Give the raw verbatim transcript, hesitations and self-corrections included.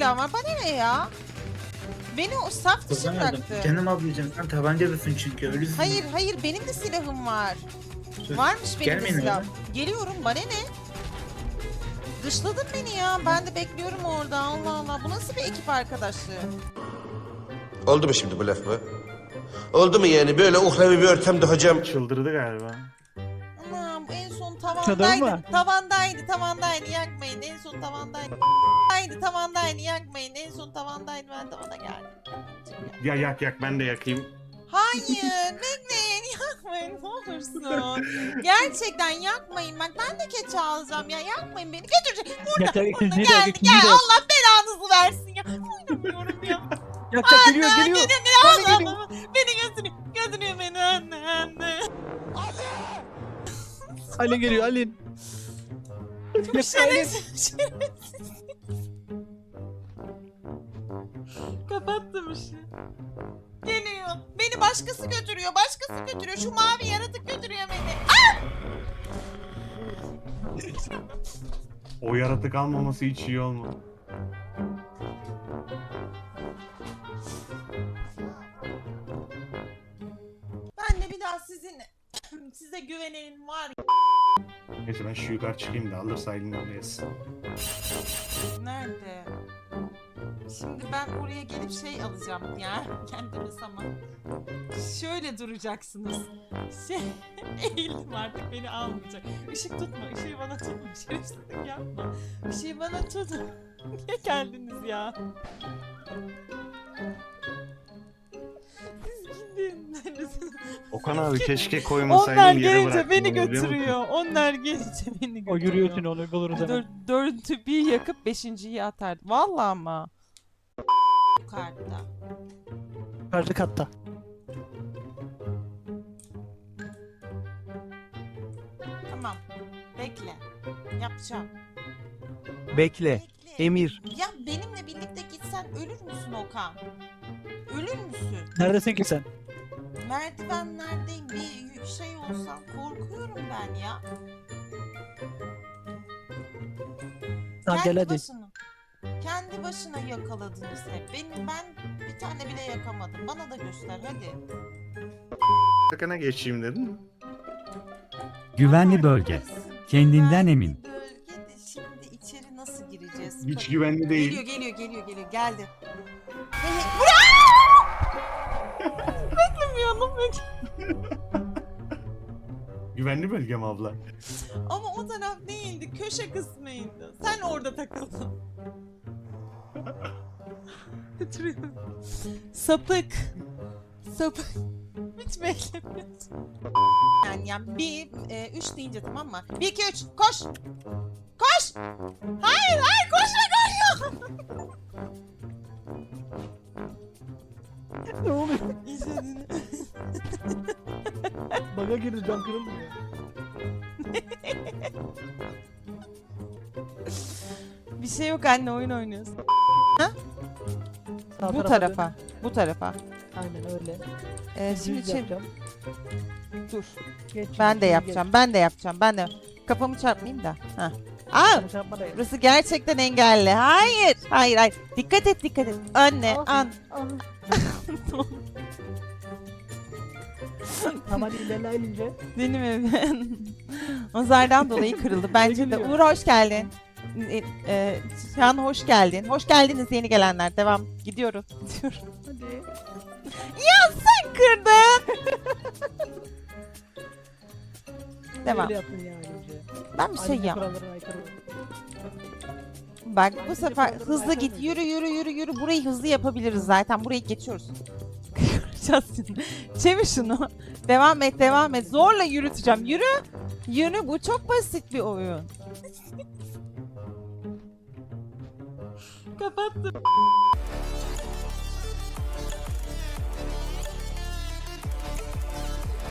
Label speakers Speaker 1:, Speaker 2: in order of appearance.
Speaker 1: silah var. Bana ne ya? Beni o saf dışı
Speaker 2: Kazanmadım.
Speaker 1: bıraktı.
Speaker 2: Canım ablacığım sen tabancalısın çünkü ölüsün.
Speaker 1: Hayır hayır benim de silahım var.
Speaker 2: Sus.
Speaker 1: Varmış benim de
Speaker 2: Gelmeyin
Speaker 1: silahım.
Speaker 2: öyle.
Speaker 1: Geliyorum bana ne? Dışladın beni ya. Ben de bekliyorum orada. Allah Allah. Bu nasıl bir ekip arkadaşlığı?
Speaker 3: Oldu mu şimdi bu laf mı? Oldu mu yani böyle uhrevi bir ortamda hocam?
Speaker 4: Çıldırdı galiba.
Speaker 1: Anam en son
Speaker 5: Çadır
Speaker 1: tavandaydı.
Speaker 5: mı?
Speaker 1: Tavandaydı, tavandaydı. Yakmayın. En son tavandaydı. Tavandaydı, tavandaydı. Yakmayın. En son tavandaydı. Ben de ona geldim.
Speaker 4: Ya yak yak ben de yakayım.
Speaker 1: Hayır, bekleyin. Yakmayın ne olursun. Gerçekten yakmayın. Bak ben de keçi alacağım ya. Yakmayın beni. Götürecek. Burada,
Speaker 5: Yeter,
Speaker 1: burada
Speaker 5: ikinciyi de,
Speaker 1: geldi.
Speaker 5: ikinciyi
Speaker 1: Gel.
Speaker 5: de.
Speaker 1: Allah belanızı versin ya. Oynamıyorum ya.
Speaker 5: Yakacak geliyor
Speaker 1: Anne,
Speaker 5: geliyor.
Speaker 1: Geliyor,
Speaker 5: Anne
Speaker 1: geliyor.
Speaker 5: geliyor.
Speaker 1: Allah, beni götürüyor. Götürüyor beni anne, anne.
Speaker 5: Alin geliyor Alin.
Speaker 1: Şerefsiz, şerefsiz. Kapattım işi. Geliyor. Beni başkası götürüyor. Başkası götürüyor. Şu mavi yaratık götürüyor beni.
Speaker 4: O yaratık almaması hiç iyi olmadı.
Speaker 1: Ben de bir daha sizin size güvenelim var ya.
Speaker 4: Neyse ben şu yukarı çıkayım da alırsa elini alıyız.
Speaker 1: Nerede? Şimdi ben oraya gelip şey alacağım ya kendime zaman. Şöyle duracaksınız. Şey, eğildim artık beni almayacak. Işık tutma, ışığı bana tutma. Şerefsizlik yapma. Işığı bana tutun. Niye geldiniz ya? Siz gidin.
Speaker 4: Okan abi keşke
Speaker 1: Onlar
Speaker 4: koymasaydın yere
Speaker 1: gelince
Speaker 4: bıraktın.
Speaker 1: beni
Speaker 4: onu, biliyor musun?
Speaker 1: götürüyor. Onlar gelince beni götürüyor.
Speaker 5: O yürüyorsun onu buluruz
Speaker 1: Dör,
Speaker 5: hemen.
Speaker 1: dördü bir yakıp beşinciyi atardı. Vallahi ama. Yukarıda.
Speaker 5: Yukarıda katta.
Speaker 1: Tamam. Bekle. Yapacağım.
Speaker 6: Bekle.
Speaker 1: Bekle.
Speaker 6: Emir.
Speaker 1: Ya benimle birlikte gitsen ölür müsün Okan? Ölür müsün?
Speaker 5: Neredesin ki sen?
Speaker 1: Merdivenlerdeyim bir şey olsam korkuyorum ben ya.
Speaker 5: Tamam
Speaker 1: Kendi
Speaker 5: gel hadi.
Speaker 1: başına. Kendi başına yakaladınız hep. Benim ben bir tane bile yakamadım. Bana da göster hadi.
Speaker 4: Sakına geçeyim dedin.
Speaker 7: Güvenli bölge. Kendinden
Speaker 1: Güvenli
Speaker 7: emin.
Speaker 1: Bölge de şimdi içeri nasıl gireceğiz?
Speaker 4: Hiç
Speaker 1: Bak-
Speaker 4: güvenli değil.
Speaker 1: Geliyor geliyor geliyor geliyor geldi. Hey, hey. Beklemiyordum ben.
Speaker 4: Güvenli bölge mi abla?
Speaker 1: Ama o taraf değildi. Köşe kısmıydı. Sen orada takıldın. Götürüyorum. Sapık. Sapık. Hiç beklemiyorsun. Yani, yani bir, e, üç deyince tamam mı? Bir, iki, üç. Koş. Koş. Hayır, hayır. Koşma, koşma.
Speaker 5: Ne oluyor?
Speaker 1: İzledin.
Speaker 5: Baga girdi cam kırıldı ya.
Speaker 1: Bir şey yok anne oyun oynuyorsun.
Speaker 5: Sağ
Speaker 1: Bu
Speaker 5: tarafa
Speaker 1: tarafa.
Speaker 5: dön.
Speaker 1: Bu tarafa.
Speaker 5: Aynen öyle.
Speaker 1: Ee,
Speaker 5: Düz
Speaker 1: şimdi çevir.
Speaker 5: yapacağım.
Speaker 1: Dur.
Speaker 5: Geç,
Speaker 1: Ben de
Speaker 5: şimdi
Speaker 1: yapacağım. Ben de yapacağım. Ben de. Kafamı çarpmayayım da. Ha. Aa!
Speaker 5: geç. Çarpma da yap.
Speaker 1: Burası gerçekten engelli. Hayır. Hayır hayır. Dikkat et dikkat et. Anne
Speaker 5: Al.
Speaker 1: an.
Speaker 5: Al. Tamam hadi ilerle elince.
Speaker 1: Benim evim. Nazardan dolayı kırıldı. Bence de.
Speaker 5: gülüyor?
Speaker 1: Uğur hoş geldin. E, e, Şahan hoş geldin. Hoş geldiniz yeni gelenler. Devam. Gidiyorum. Gidiyorum.
Speaker 5: Hadi.
Speaker 1: Sen kırdın. Devam.
Speaker 5: Öyle yapın ya önce.
Speaker 1: Ben bir şey
Speaker 5: Ayrıca
Speaker 1: yap.
Speaker 5: kurallarına aykırı.
Speaker 1: Bak bu
Speaker 5: Ayrıca
Speaker 1: sefer
Speaker 5: kurallara
Speaker 1: hızlı
Speaker 5: aykırı
Speaker 1: git.
Speaker 5: mı?
Speaker 1: Yürü yürü yürü yürü. Burayı hızlı yapabiliriz zaten. Burayı geçiyoruz. Kıracağız şimdi. Çevir şunu. Devam et devam et. Zorla yürüteceğim. Yürü. Yürü. Bu çok basit bir oyun. Kapattım.